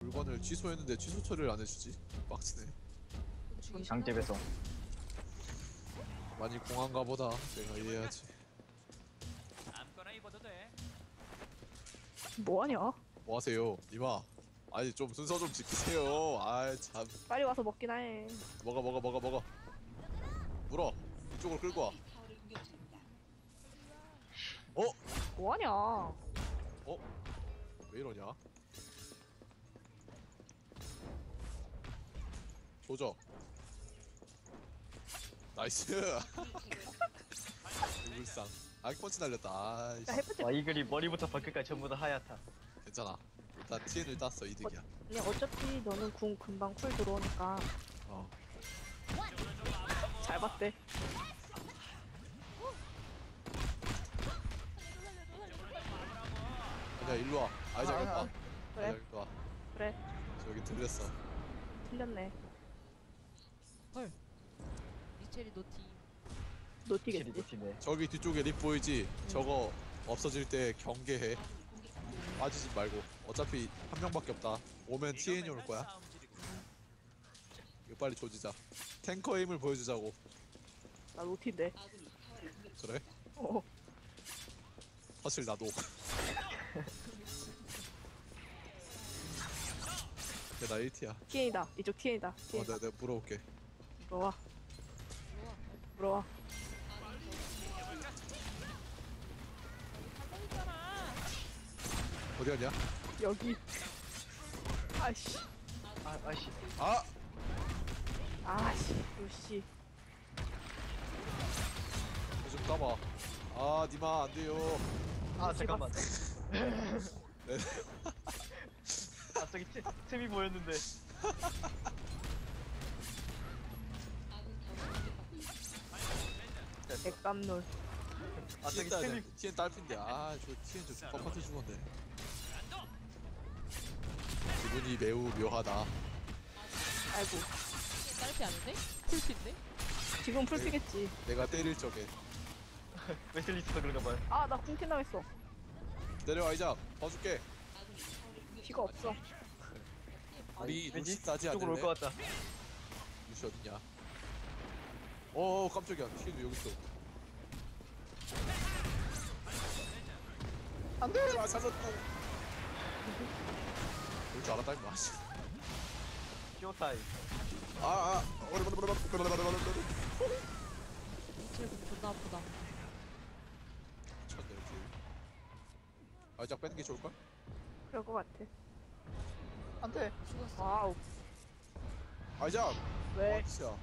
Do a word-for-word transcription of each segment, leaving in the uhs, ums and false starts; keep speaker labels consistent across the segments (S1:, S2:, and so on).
S1: 물건을 취소했는데 취소 처리를 안 해주지? 빡치네.
S2: 강제 배송.
S1: 많이 공한가 보다. 내가 이해해야지.
S3: 아무거나 입어도 돼.
S4: 뭐하냐?
S1: 뭐 하세요? 니마. 아니 좀 순서 좀 지키세요. 아이 참.
S4: 빨리 와서 먹긴 해.
S1: 먹어 먹어 먹어 먹어. 물어. 이쪽으로 끌고 와. 어?
S4: 뭐하냐?
S1: 어? 왜 이러냐? 조져. 나이스. 불상. 아기 펀치 날렸다. 아이씨.
S4: 야, 해프트
S2: 와, 이 그림 머리부터 발끝까지 전부 다 하얗다.
S1: 괜찮아. 일단 티엔을 땄어. 이득이야.
S4: 아니 어차피 너는 궁 금방 쿨 들어오니까
S1: 어.
S4: 잘 봤대.
S1: 야 일로 와. 아이작 일로 와.
S4: 그래.
S1: 아이작 일로 와.
S4: 그래
S1: 저 여기 들렸어.
S4: 틀렸네.
S5: 헐. 미첼이 노티.
S4: 노티겠지.
S2: 체리도티네.
S1: 저기 뒤쪽에 립 보이지? 저거 없어질 때 경계해. 빠지지 말고. 어차피 한 명밖에 없다. 오면 티엔이 올 거야. 이거 빨리 조지자. 탱커의 힘을 보여주자고.
S4: 나 노티인데.
S1: 그래?
S4: 어.
S1: 사실 나도. 근데 나 일 티야.
S4: 티엔이다. 이쪽 티엔이다.
S1: 어,
S4: 티엔.
S1: 내가, 내가 물어볼게.
S4: 물어와. 물어와.
S1: 어디 갔냐?
S4: 여기. 아씨.
S2: 아, 아이씨.
S1: 아!
S4: 아씨. 요씨.
S1: 이거 좀 까봐. 아, 니마, 안 돼요.
S2: 아, 잠깐만.
S1: 네.
S2: 아, 저기 틈, 틈이 보였는데.
S4: 백감놀.
S2: 아, 저기
S1: 티엔 따야
S2: 틈이.
S1: 돼. 티엔 딸핀데. 아, 저 티엔 저 빡빡해 죽었네. 기분이 매우 묘하다.
S4: 아이고.
S5: 딸피 아닌데? 풀피인데?
S4: 지금 풀피겠지.
S1: 내가 때릴 적에.
S2: 웨슬리스도 그런가 봐요.
S4: 아, 나 궁캔 당했어.
S1: 내려와, 이작. 봐줄게.
S4: 피가 없어.
S1: 우리
S2: 왠지
S1: 루시 따지
S2: 이쪽으로 올
S1: 않을래?
S2: 것 같다.
S1: 루시 어딨냐? 어, 깜짝이야. 티엔도 여기 있어. 안 돼! 아, 찾았다. 그럴 줄 알았다, 임마.
S2: 쇼타임.
S1: 아, 아.
S5: 미첼 공 존나 아프다.
S1: 미쳤네, 이렇게. 아, 이작 빼는 게 좋을걸?
S4: 그럴 것 같아.
S2: 안 돼.
S5: 죽었어.
S4: 와우.
S1: 아, 이작!
S4: 왜?
S1: 아, 진짜.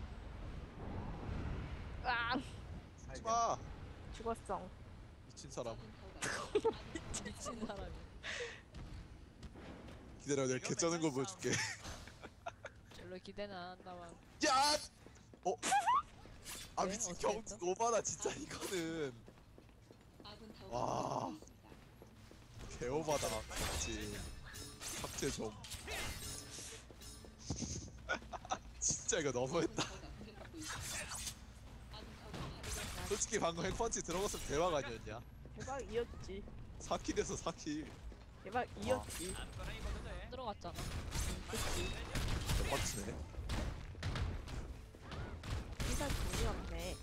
S4: 아,
S1: 하지 마!
S4: 죽었어.
S1: 미친 사람.
S5: 미친 사람이.
S1: 기다려, 내가 개 짜는 거 보여줄게.
S5: 별로 기대는 안 한다만.
S1: 야! 어? 아,
S5: 네?
S1: 미친
S5: 어떻게
S1: 경,
S5: 했어?
S1: 오바다, 진짜, 이거는. 와. 개오바다, 맞지. 삭제 좀. 진짜 이거 너무했다. 솔직히 방금 핵펀치 들어갔으면 대박 아니었냐?
S4: 대박이었지.
S1: 사 킬 돼서 사 킬.
S4: 대박이었지.
S3: 아무거나 입어도 돼.
S5: 들어갔잖아.
S1: 빡치네.
S4: 피가 돈이 없네.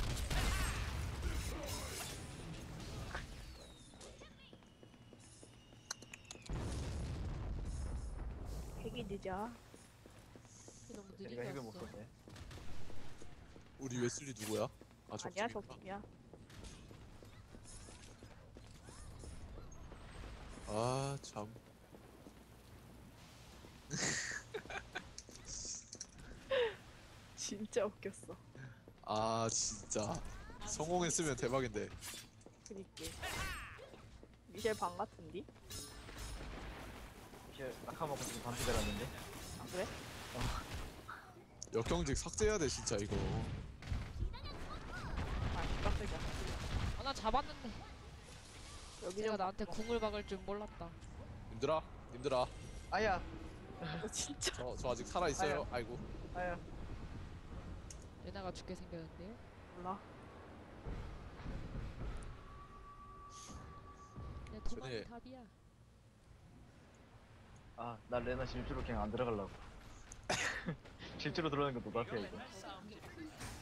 S4: 핵이 늦어.
S5: 너무
S2: 내가
S5: 느리게
S2: 핵을 못
S5: 왔어.
S2: 썼네.
S1: 우리 웨슬리 누구야? 아,
S4: 아니야,
S1: 적팀인가?
S4: 적팀이야.
S1: 아, 참.
S4: 진짜 웃겼어.
S1: 아, 진짜. 성공했으면 대박인데.
S4: 그니까. 미셸 방 같은디?
S2: 피엘 아까 먹고 지금 반피 들었는데.
S4: 아, 그래?
S1: 역경직 삭제해야 돼, 진짜, 이거.
S4: 아, 깜짝이야.
S5: 아, 나 잡았는데.
S4: 여기
S5: 내가
S4: 좀
S5: 나한테 궁을 박을 줄 몰랐다.
S1: 님들아, 님들아.
S2: 아야.
S4: 어, 진짜.
S1: 저, 저 아직 살아있어요. 아이고.
S2: 아야.
S5: 레나가 죽게 생겼는데요?
S4: 몰라.
S5: 내 도망이
S1: 전에-
S5: 답이야.
S2: 아, 나 레나 질주로 그냥 안 들어가려고. 질주로 들어가는 것도
S3: 이거
S2: 나한테 이거.
S3: 맨날 싸움질이구나.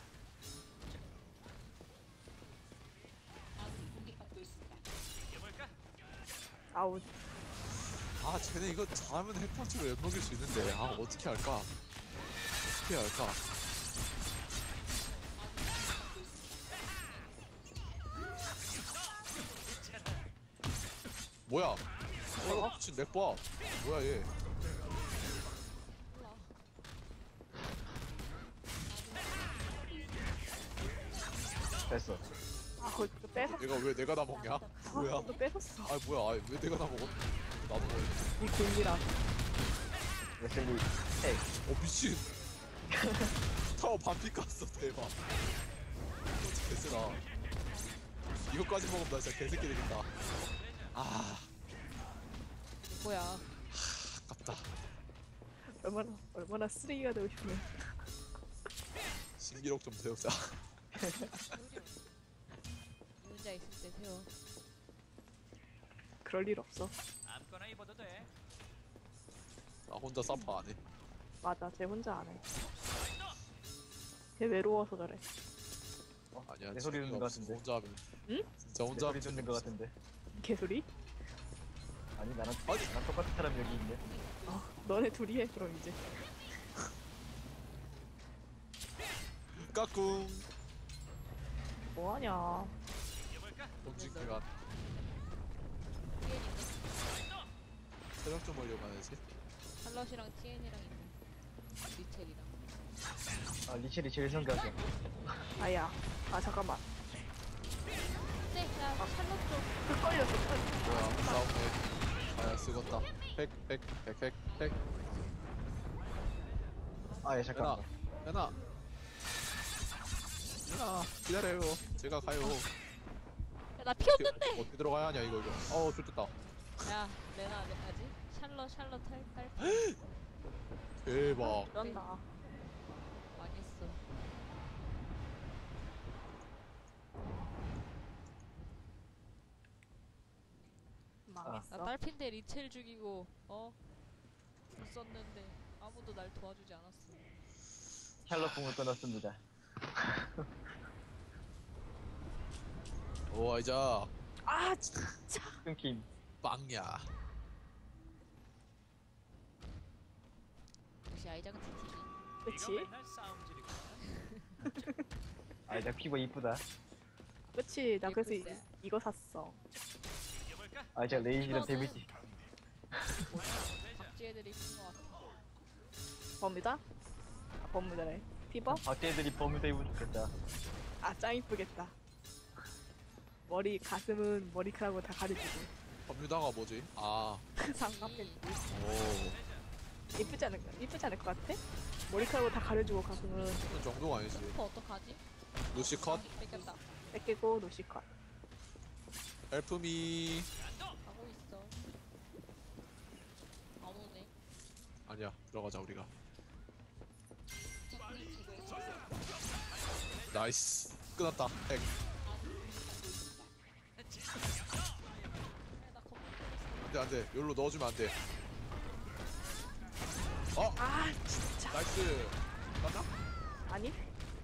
S3: 이겨볼까?
S4: 아우
S1: 아 쟤네 이거 잘하면 핵펀치로 엿먹일 수 있는데 아 어떻게 할까? 어떻게 할까? 뭐야? 어? 미친 맥봐. 뭐야 얘?
S2: 됐어.
S4: 아 그거 또 뺏었어.
S1: 얘가 왜 내가 다 먹냐? 뭐야?
S4: 또 뺏었어.
S1: 아 뭐야? 아, 왜 내가 다 먹어? 나도 먹어.
S4: 이 골리라.
S2: 웨슬리, 헤이.
S1: 어 미친. 타워 반피 깠어 대박. 개쎄다. 이거까지 먹으면 나 진짜 개새끼 되겠다. 아
S5: 뭐야?
S1: 아깝다.
S4: 얼마나 얼마나 쓰레기가 되고 싶네.
S1: 신기록 좀 세우자.
S5: 혼자 있을 때 세워.
S4: 그럴 일 없어.
S3: 아무거나 입어도 돼.
S1: 나 혼자 사파 안 해.
S4: 맞아, 쟤 혼자 안 해. 걔 외로워서 저래.
S1: 아니야.
S2: 내 소리 듣는 것 같은데.
S1: 혼자 하면.
S4: 응?
S1: 진짜
S2: 내
S1: 혼자
S2: 소리
S1: 하면
S2: 듣는 것 같은데.
S4: 개소리?
S2: 아니, 나랑,
S1: 아니.
S2: 나랑 똑같은 사람 여기 있네.
S4: 어, 너네 둘이 해 그럼 이제.
S1: 까꿍.
S4: 뭐하냐?
S3: 이겨볼까?
S1: dom직기가 체력 좀 올려봐야지.
S5: 샬럿이랑 티엔이랑 있네. 리첼이랑.
S2: 아, 리첼이 제일 성가셔.
S4: 아야. 아 잠깐만.
S5: 네, 나 샬럿 좀.
S4: 그 걸렸어.
S1: 뭐야 싸움네. 아야 쓰겄다. 핵, 핵, 핵, 핵, 핵.
S2: 아, 예,
S1: 연아,
S2: 잠깐만.
S1: 연아. 연아, 기다려요. 제가 가요.
S5: 야, 나 피 없는데.
S1: 어떻게 들어가야 하냐 이거 이거. 어우 좋겠다.
S5: 야, 레나 아직 샬럿 샬럿 할 할.
S1: 대박.
S4: 그런다.
S5: 망했어.
S4: 망했어.
S5: 나 딸핀데 리첼 죽이고 어? 못 썼는데 아무도 날 도와주지 않았어.
S2: 샬럿 공을 끊었습니다.
S1: 오 이자
S4: 아 진짜.
S2: 끊김.
S1: 빵야.
S5: 역시 아이작은 티티지.
S3: 이거
S4: 그치?
S3: 맨날 싸움질이구나.
S2: 아, 나 피부 이쁘다.
S4: 그치? 나 그래서 이,
S5: 예쁘세.
S4: 이거 샀어.
S3: 이겨볼까?
S2: 아, 제가 레이지랑
S5: 이거는-
S2: 데미지.
S5: 박쥐 애들이 있는 것 같아.
S4: 범위다? 아, 범위다래. 피버?
S2: 밖에 애들이 버뮤다 입으면 좋겠다.
S4: 아 짱 이쁘겠다. 머리 가슴은 머리카락으로 다 가려주고.
S1: 법유다가 뭐지? 아,
S4: 상관없겠지.
S1: 오.
S4: 이쁘지 않을까? 이쁘지 않을 것 같아? 머리카락으로 다 가려주고 가슴은
S1: 그런 정도가 아니지.
S5: 슈퍼 어떡하지?
S1: 루시 컷.
S5: 뺏겼다.
S4: 뺏기고 노시컷.
S1: 헬프미.
S5: 가고 있어. 안 오네.
S1: 아니야, 들어가자 우리가. 나이스. 끊었다. 핵.
S5: 나 겁나
S1: 안돼 안돼. 여기로 넣어주면 안돼. 어,
S4: 아 진짜.
S1: 나이스. 맞나?
S4: 아니?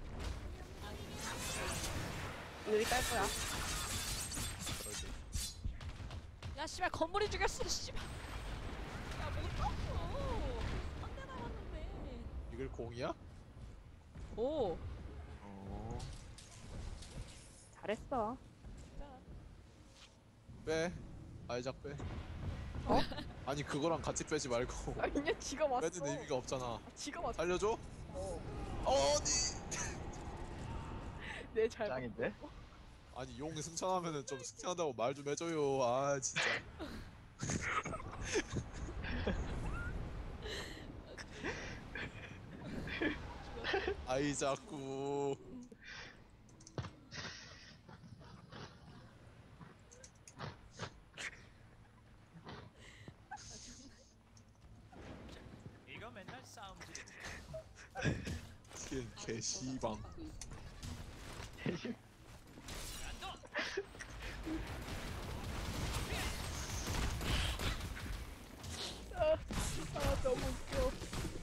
S4: 여기 깔 거야.
S1: 그러지.
S5: 야 씨발 건물이 죽였어 씨발. 야못 떴어. 한대 남았는데.
S1: 이걸 공이야?
S5: 오.
S1: 어.
S4: 잘했어.
S1: 빼. 아이작 빼.
S4: 어?
S1: 아니 그거랑 같이 빼지 말고.
S4: 아니야 지가 왔어.
S1: 빼는 의미가 없잖아.
S4: 지가 왔어.
S1: 살려줘?
S4: 어.
S1: 어디?
S4: 내잘
S2: 짱인데?
S1: 아니 용 승천하면은 좀 승천한다고 말 좀 해줘요. 아 진짜. 아이 자꾸.
S3: 이거 맨날 싸움질이구나.
S1: 티엔 개시방.
S4: 어. 너무 웃겨.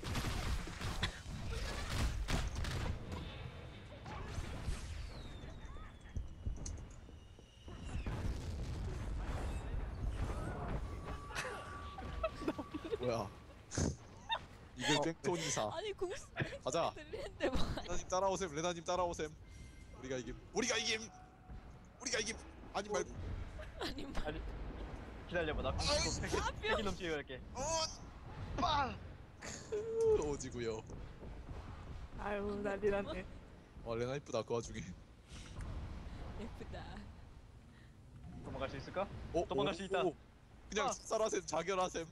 S1: 뭐야? 이글 백톤이사.
S5: 아니 궁
S1: 가자.
S5: 들리는데 뭐.
S1: 레나님 따라오셈. 레나님 따라오셈. 우리가 이김. 우리가 이김. 우리가 이김. 아니 말고.
S5: 아니 뭐.
S2: 아니 기다려봐 나
S1: 아이씨,
S2: 팩이 팩이 넘치게 갈게.
S1: 어.
S2: 빵!
S1: 크, 오지구요.
S4: 아유 난리 났네.
S1: 와 레나 이쁘다 그 와중에.
S5: 예쁘다.
S2: 도망갈 수 있을까?
S1: 어,
S2: 도망갈
S1: 오,
S2: 수 있다.
S1: 오. 그냥
S2: 아.
S1: 쌀하셈 자결하셈.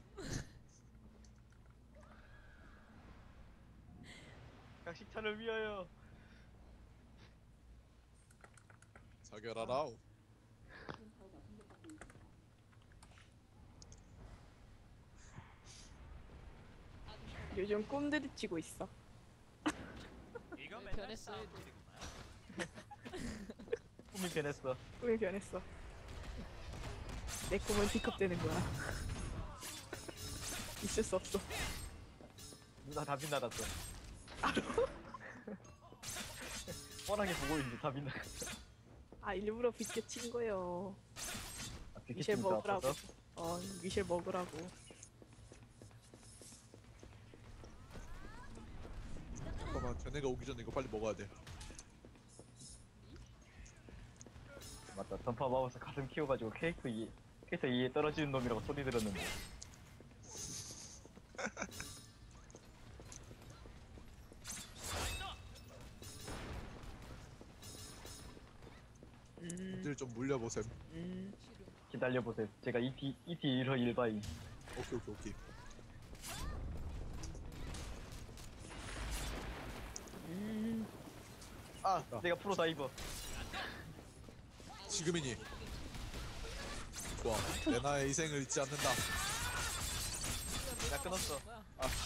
S2: 각식탄을 위하여.
S1: 자결하라우.
S4: 요즘 꿈들이 치고 있어.
S3: 이거
S5: 왜
S3: 맨날
S5: 변했어요,
S3: 싸움질이구만.
S2: 꿈이 변했어.
S4: 꿈이 변했어. 내 꿈은 D컵되는 거야. 있을 수 없어.
S2: 누나 다 빗나갔어. 뻔하게 보고 있는데 다 빗나갔어.
S4: 아 일부러 비껴친 거요.
S2: 아,
S4: 미셸
S2: 비키친가
S4: 먹으라고.
S2: 아파서?
S4: 어 미셸 먹으라고.
S1: 잠깐만 쟤네가 오기 전에 이거 빨리 먹어야 돼.
S2: 맞다. 던파 마우스 가슴 키워가지고 캐릭터 이 캐릭터 이에 떨어지는 놈이라고 소리 들었는데.
S4: 음,
S1: 님들 좀 물려보셈.
S4: 음.
S5: 싫음.
S2: 기다려보세요. 제가 이티 이티 일허 일바이.
S1: 오케이 오케이 오케이.
S4: 음.
S2: 아,
S1: 아.
S2: 내가 프로 다이버.
S1: 지금이니. 좋아. 레나의 희생을 잊지 않는다.
S2: 나 끊었어.
S5: 뭐야?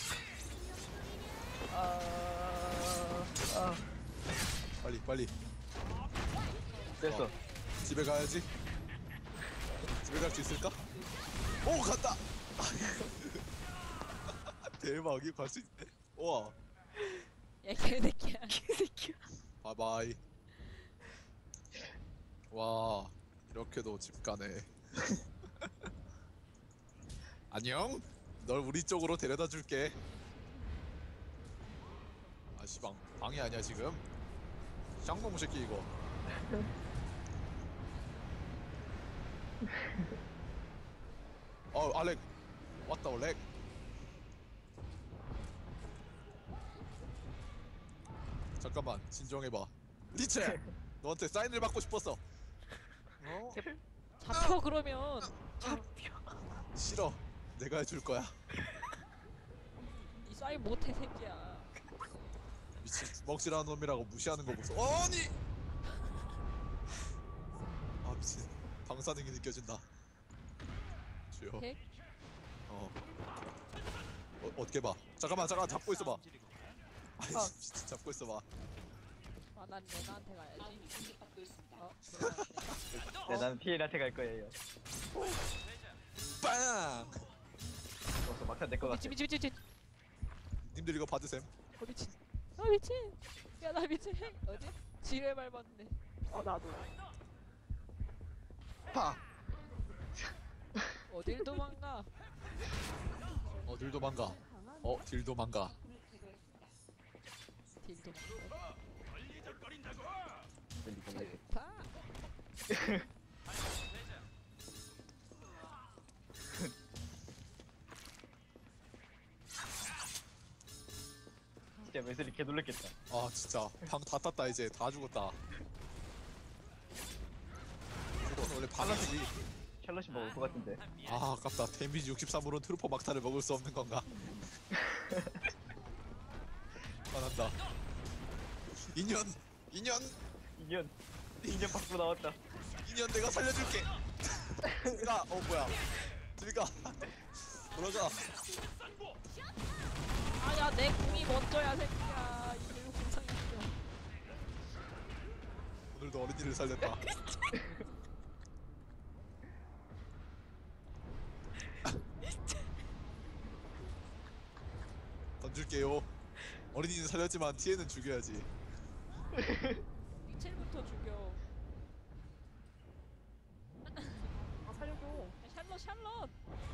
S2: 아, 아,
S1: 빨리 빨리.
S2: 됐어.
S1: 집에 가야지. 집에 갈 수 있을까? 오 간다. 대박 이거 갈 수 있네. 우와.
S5: 야 개새끼야.
S4: 개새끼야.
S1: 바이바이. 와 이렇게도 집 가네. 안녕. 널 우리 쪽으로 데려다 줄게. 아 씨방 방이 아니야 지금. 쌍놈 새끼 이거. 어 알렉 왔다 올렉. 잠깐만 진정해봐. 리체 너한테 사인을 받고 싶었어. 어?
S5: 잡혀 그러면.
S1: 싫어. 내가 해줄 거야.
S5: 이 사인 못해 새끼야.
S1: 미친 주먹질하는 놈이라고 무시하는 거 보소. 아니. 아 미친 방사능이 느껴진다. 주여.
S5: 핵?
S1: 어. 어 어떻게 봐? 잠깐만 잠깐 잡고 있어봐.
S3: 싸움질이구만.
S1: 아이
S2: 아.
S1: 진짜 잡고 있어봐.
S5: 아난 레나한테 가야지. 어?
S2: 네, 나는 피엘한테 갈 거예요.
S1: 빵.
S2: 그래서 막상 내거 같아.
S5: 미친 미친 미친 미친.
S1: 님들 이거 받으셈.
S5: 어 미친. 아 미친. 야 나 미친. 어디? 지뢰 밟았네.
S4: 어 나도.
S1: 파.
S5: 어딜 도망가?
S1: 어 딜도 망가. 어 딜도 망가.
S5: 딜 도망가.
S2: 들리고 말고.
S5: 파.
S2: 진짜 웨슬리 개 놀랬겠다.
S1: 아 진짜 방 다 땄다 이제 다 죽었다. 이건 원래 방이지.
S2: 샬럿이 먹을 것 같은데.
S1: 아 아깝다. 데미지 육십삼으로는 트루퍼 막타를 먹을 수 없는 건가? 화난다. 인연 인연
S2: 인연 인연 밖으로 나왔다.
S1: 인연 내가 살려줄게. 들어가. 어 뭐야? 들어가. 들어가.
S5: 아야 내 궁이 먼저야 새끼야. 이게 공상이 있어.
S1: 오늘도 어린이를 살렸다. 던질게요. 어린이는 살렸지만 티에는 죽여야지.
S5: 미첼부터 죽여.
S4: 아 살려줘.
S5: 야, 샬럿 샬럿.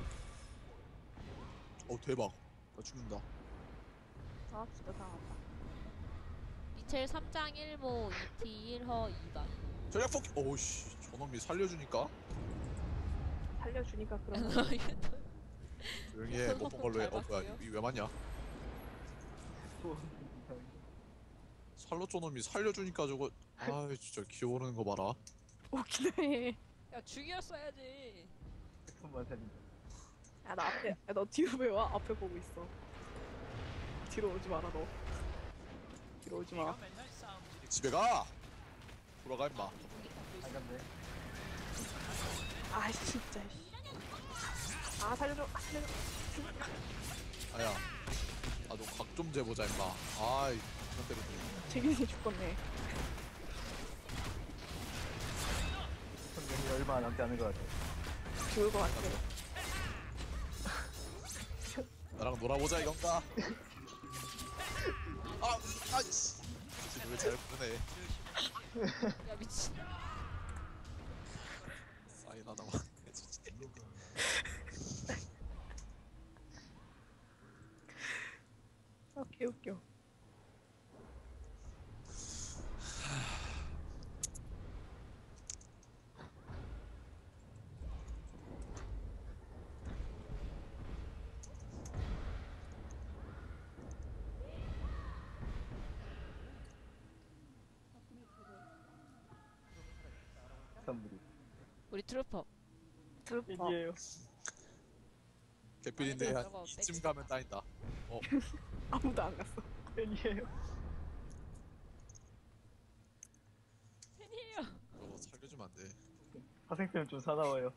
S1: 어 대박. 나 죽는다.
S4: 아 진짜 당한다.
S5: 미첼 삼 장 일 모 이 티 일 허 이 단.
S1: 전략 포기. 오우씨 저놈이 살려주니까
S4: 살려주니까 그런 거.
S1: 조용히 해. 못 본 걸로 해. 어 뭐야 이 왜 맞냐? 살로 쪼놈이 살려주니까 저거 아 진짜 기어오르는 거 봐라.
S4: 웃기네. 해.
S5: 야 죽였어야지.
S2: 손만 살린다.
S4: 야나 앞에. 야, 너 뒤로 왜 와? 앞에 보고 있어. 뒤로 오지 마라 너. 뒤로 오지 마.
S3: 이거 맨날 싸움질이
S1: 집에 가. 돌아가 임마.
S2: 안 갔네.
S4: 아 진짜. 씨. 아 살려줘. 아, 살려줘.
S1: 아야 나도 각 좀 재보자 임마. 아이 이런 때문에
S4: 재균이 죽겠네.
S2: 성경이 얼마 남지 않은 것 같아.
S4: 죽을 것 같아.
S1: 나랑 놀아보자 이건가? 아 아이씨 왜잘 부르네.
S5: 야 미친.
S1: 사인 하나만 해주지.
S4: 아 개웃겨.
S2: 선물이.
S5: 우리 트루퍼.
S4: 트루퍼.
S2: 이게요.
S1: 개필인데
S5: 아니,
S1: 한
S5: 저거
S1: 이쯤
S5: 백-
S1: 가면 따인다. 어
S4: 아무도 안 갔어.
S2: 팬이에요.
S5: 팬이에요.
S1: 저거 살려주면 안 돼.
S2: 화생템 좀 사나워요.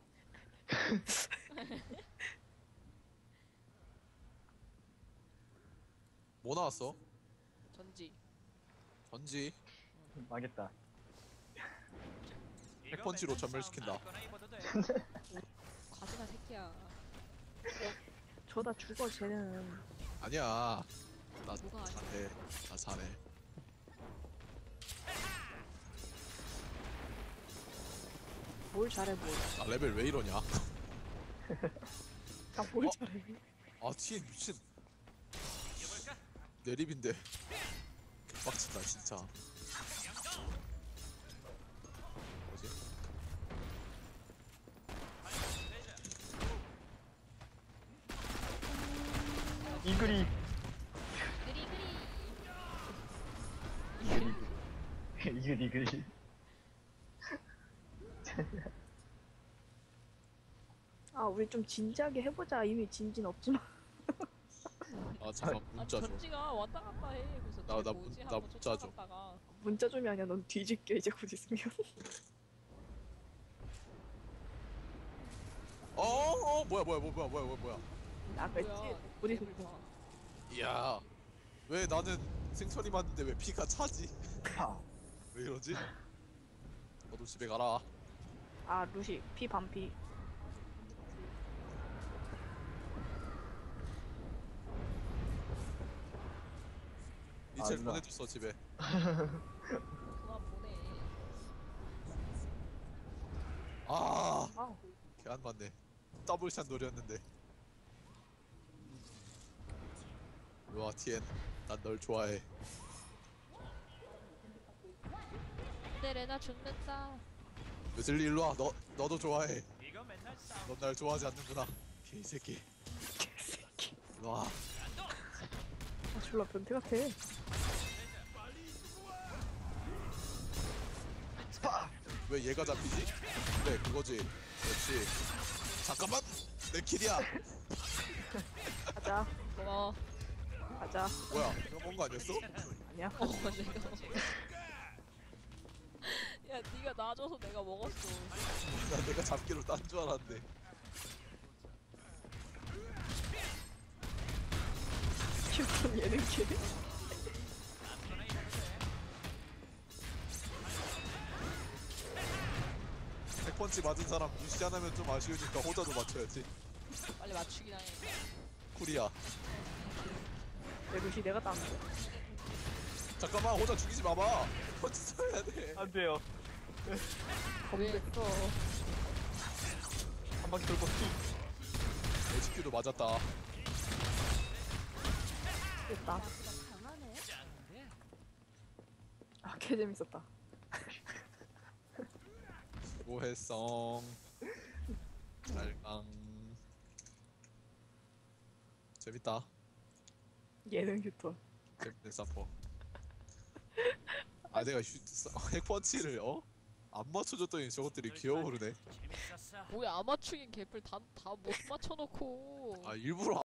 S1: 뭐 나왔어?
S5: 전지.
S1: 전지
S2: 망했다.
S3: 이거
S1: 백펀치로
S3: 맨날
S1: 전멸시킨다.
S3: 싸움 아무거나 입어도 돼.
S5: 과지가 새끼야.
S4: 저다 죽어 쟤는.
S1: 아니야. 나
S5: 뭐가 아니야?
S1: 잘해. 나 잘해.
S4: 뭘 잘해 뭘.
S1: 나 레벨 왜 이러냐?
S4: 나뭘
S1: 어?
S4: 잘해.
S1: 아 티엔 미친.
S3: 이겨볼까?
S1: 내립인데 빡친다 진짜. 뭐지?
S2: 이글이.
S5: 그리 그리.
S2: 이글 이글이.
S4: 아 우리 좀 진지하게 해보자. 이미 진진 없지만.
S1: 아 잠깐
S5: 아
S1: 문자 줘.
S5: 전지가 왔다 갔다 해. 그래서
S1: 나-
S5: 쟤
S1: 나
S5: 뭐지
S1: 문-
S5: 하고
S1: 나 문자 줘.
S5: 쫓아갔다가
S4: 문자 좀이 아니야. 넌 뒤질게 이제 곧 있으면.
S1: 어, 어 뭐야 뭐야 뭐야 뭐야 뭐야 뭐야.
S4: 나 그랬지.
S5: 뭐야?
S4: 우리
S5: 개불 봐.
S1: 이야 왜 나는 생선이 맞는데 왜 피가 차지?
S2: 파.
S1: 왜 이러지? 너도 집에 가라.
S4: 아 루시 피 반피.
S1: 이첼
S2: 누나.
S1: 보내줬어 집에.
S5: 그만 보내.
S1: 아,
S4: 아
S1: 걔 안 맞네. 더블샷 노렸는데. 와 티엔, 난 널 좋아해.
S5: 근데 레나 죽는다.
S1: 웨슬리 일로 와. 너 너도 좋아해.
S3: 이거 맨날 싸움.
S1: 넌 날 좋아하지 않는구나. 개새끼.
S4: 개새끼.
S1: 일로 와.
S4: 아 졸라 변태 같아.
S1: 왜 얘가 잡히지? 그래 그거지. 그렇지. 잠깐만. 내 킬이야.
S4: 가자.
S5: 고마워.
S4: 가자.
S1: 뭐야? 내가 뭔거 아니었어?
S4: 아니야.
S5: 어 내가. 야 네가 놔줘서 내가 먹었어.
S1: 나 내가 잡기로 딴 줄 알았는데.
S4: 휴톤 예능 킬.
S3: 아무거나 입어도 돼.
S1: 백펀치 맞은 사람 무시 안 하면 좀 아쉬우니까 호자도 맞춰야지.
S5: 빨리 맞추긴 하네.
S1: 쿨이야.
S4: 루시 내가 땄는데.
S1: 잠깐만 호자 죽이지 마봐. 터치 써야 돼.
S2: 안 돼요.
S4: 검됐어.
S2: 한 바퀴 돌고 피.
S1: 에이치큐도 맞았다.
S4: 됐다. 아, 개 재밌었다.
S1: 수고했어. 잘강. 재밌다.
S4: 예능 휴톤.
S1: 재밌는 사퍼. 아 내가 휴, 사- 핵펀치를 어? 안 맞춰줬더니 저것들이 기어오르네.
S3: 재밌었어.
S5: 뭐야 아마추인 개뿔 다다 못 맞춰놓고.
S1: 아 일부러